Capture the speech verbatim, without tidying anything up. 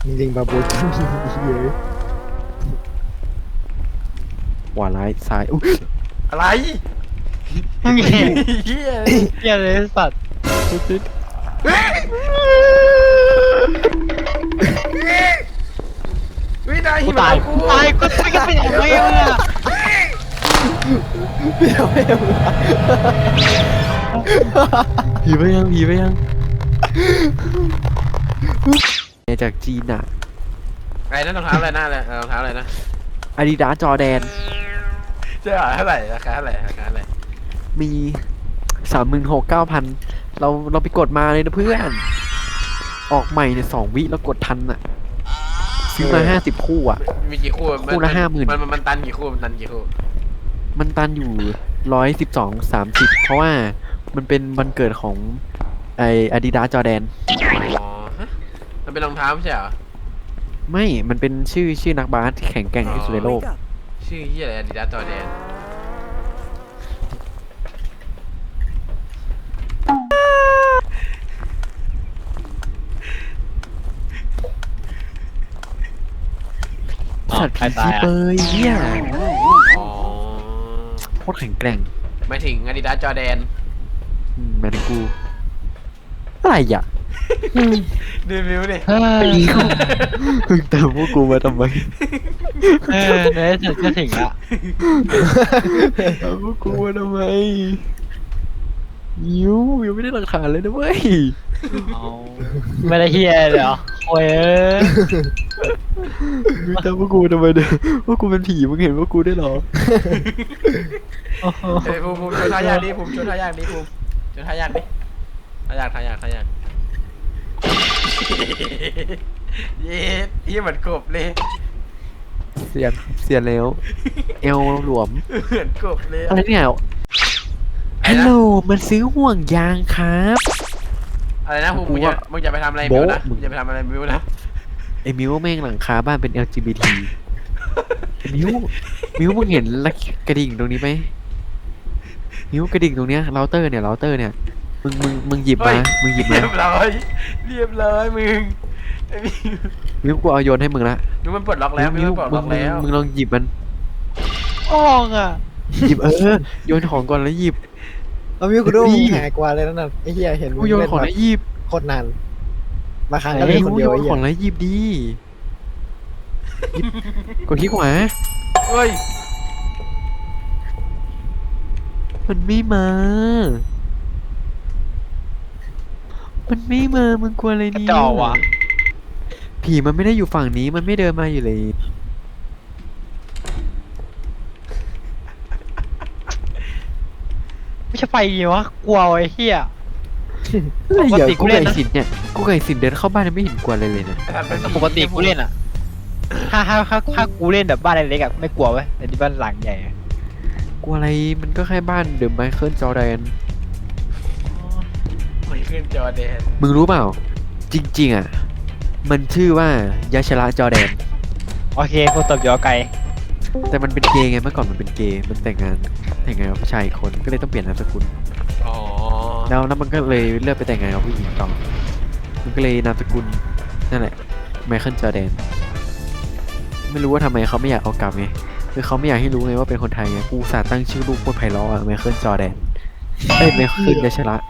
ลิงบาบูเยอะขวาร้ายซ้ายอุ๊ยอะไรมึงเหี้ยเฮียเหี้ยเลยสัตว์วินายกูหิมะตายกูตายกูตายก็เป็นยังไงมึงอะผีไปยังผีไปยังจากจีนอะไอ้นั่นรองเท้าอะไรหน้าอะไรรองเท้าอะไรนะอาดิดาสจอแดนเจ๊เท่าไหร่ราคาเท่าไหร่ราคาเท่าไหร่มีสามหมื่นหกเก้าพันเราเราไปกดมาเลยนะเพื่อน ออกใหม่เนี่ยสองวิแล้วกดทันอะซื้อมาห้าสิบคู่อะมีกี่คู่คู่ละห้าหมื่นมันมันมันตันกี่คู่มันตันกี่คู่มันตันอยู่ร้อยสิบสองสามสิบเพราะว่ามันเป็นวันเกิดของไออาดิดาสจอแดนอ๋อฮะมันเป็นรองเท้าไม่ใช่เหรอไม่ มันเป็นชื่อชื่อนักบาสที่แข็งแกร่งที่สุดในโลกชื่อเฮียอะไรอาดิดาสจอแดนสัตว์ผีซีเปยเนี่ยอ๋อโคตรแข็งแกร่งหมายถึงอาดิดาสจอแดนอืมหมายถึงกูอะไรอ่ะดูวิวดิเฮ้ยมึงตามพวกกูมาทำไมเออในที่สุดก็ถึงละตามพวกกูมาทำไมยิวยังไม่ได้หลักฐานเลยนะเว้ยเอาไม่ได้เฮียเลยเหรอโอ้ยเอ้ยมึงตามพวกกูทำไมเนี่ยพวกกูเป็นผีมึงเห็นพวกกูได้หรอโอ้โหเฮ้ยภูมิภูมิชวนท่ายากดิภูมิชวนท่ายากดิภูมิชวนท่ายากดิท่ายากท่ายากท่ายากเย็ดเฮียเหมือนกบเลยเสียนเสียนแล้ว เอวหลวมเหมือนกบเลยอะไรเนี่ยฮัลโหลมันซื้อห่วงยางครับอะไรนะภูมิกูมึงจะว่ามึงจะไปทำอะไรมิวนะโบ๊ะมึมึงงจะไปทำอะไรมิวนะไอ้มิวแม่งหลังคาบ้านเป็น แอล จี บี ที ไอ้มิวมิวมึงเห็นละกระดิ่งตรงนี้ไหมมิวกระดิ่งตรงเนี้ยเราเตอร์เนี่ยเราเตอร์เนี่ยมึงมึงมึงหยิบมามึงหยิบมาเรียบร้อยเรียบร้อยมึงไอ้มิวมิวกูเอาโยนให้มึงละมิวมันปลดล็อกแล้วมิวมันปลดมึล็อง กมึงแล้วมึงลองหยิบมันอ่องอ่ะหยิบเออโยนของก่อนแล้วหยิบเอามิวกูดูมึงหายกว่าเลยนั่นน่ะไอ้เหี้ยเห็นมึกูงโยนเล่นของแบแล้วบหยิบโคตรนานมาครั้งก็ไอ้เล่นมิคนวเดีโยยวน ไอ้ขเหี้อย งแล้วหยิบดีหยิบกดที่ขวาเฮ้ยมันไม่มา มันไม่มา มึงกลัวอะไรเนี่ยจ่อว่ะผีมันไม่ได้อยู่ฝั่งนี้ มันไม่เดินมาอยู่เลยไม่ใช่ไฟวะกลัวไอ้เฮียอะไรอย่าปกติกูกูเล่ไก่นนะสินเนี่ย กูไก่สินเดินเข้าบ้านยังไม่เห็นกลัวอะไรเลยนะปกติกูเล่นอ่ะถ้าถ้าถ้าถ้ากูเล่นแบบบ้านเล็กๆอ่ะไม่กลัวเว้ยแต่ที่บ้านหลังใหญ่อะกลัวอะไร มันก็แค่บ้านเดิมไมเคิลจอร์แดนไม่ขึ้นจอแดนมึงรู้เปล่า จริง ๆ อ่ะ มันชื่อว่ายาชระจอร์แดนโอเคกูตบยอไกลแต่มันเป็นเกย์ไง เมื่อก่อนมันเป็นเกย์ มันแต่งงาน แต่งงานกับผู้ชายอีกคน ก็เลยต้องเปลี่ยนนามสกุลอ๋อแล้วแล้วมันก็เลยเลือกไปแต่งงานกับผู้หญิงต่อ มันก็เลยนามสกุลนั่นแหละไมเคิลจอร์แดน ไม่รู้ว่าทำไมเขาไม่อยากเอากลับไง คือเขาไม่อยากให้รู้ไงว่าเป็นคนไทยไง กูอุตสาห์ตั้งชื่อลูกโคตรไพเราะอะไมเคิลจอร์แดน เอ้ยไมเคิลยาชระ